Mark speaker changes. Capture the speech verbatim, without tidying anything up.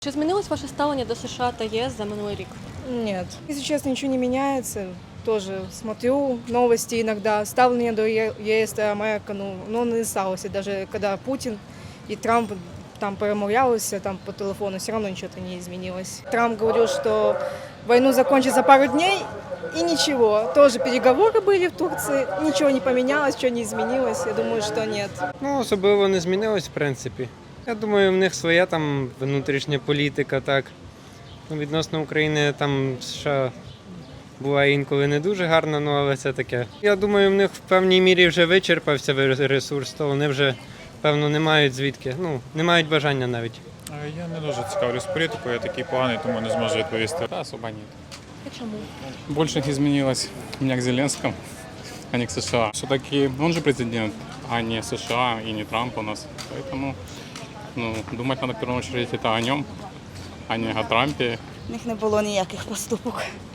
Speaker 1: Чи змінилось ваше ставлення до США та ЄС за минулий рік?
Speaker 2: Нет. Если честно, ничего не меняется. Тоже смотрю новости иногда. Ставление до Е- ЕС и Америка, ну, ну, не сталося. Даже когда Путин и Трамп там перемовлялися там по телефону, все равно ничего-то не изменилось. Трамп говорил, что войну закончить за пару дней, и ничего. Тоже переговоры были в Турции, ничего не поменялось, ничего не изменилось. Я думаю, что нет.
Speaker 3: Ну, особливо не змінилось, в принципі. Я думаю, в них своя там внутрішня політика, так. Ну, відносно України там США буває інколи не дуже гарно, ну але це таке. Я думаю, в них в певній мірі вже вичерпався ресурс, то вони вже, певно, не мають звідки, ну, не мають бажання навіть.
Speaker 4: Е, Я не дуже цікавлюсь політикою, я такий поганий, тому не зможу відповісти.
Speaker 5: Да, особо нет.
Speaker 1: І чому?
Speaker 5: Больше изменилось у меня к Зеленскому, а не к США. Все-таки он же президент, а не США и не Трамп у нас. Поэтому ну, думать надо в первую очередь это о нем, а не о Трампе.
Speaker 6: В них не було ніяких поступок.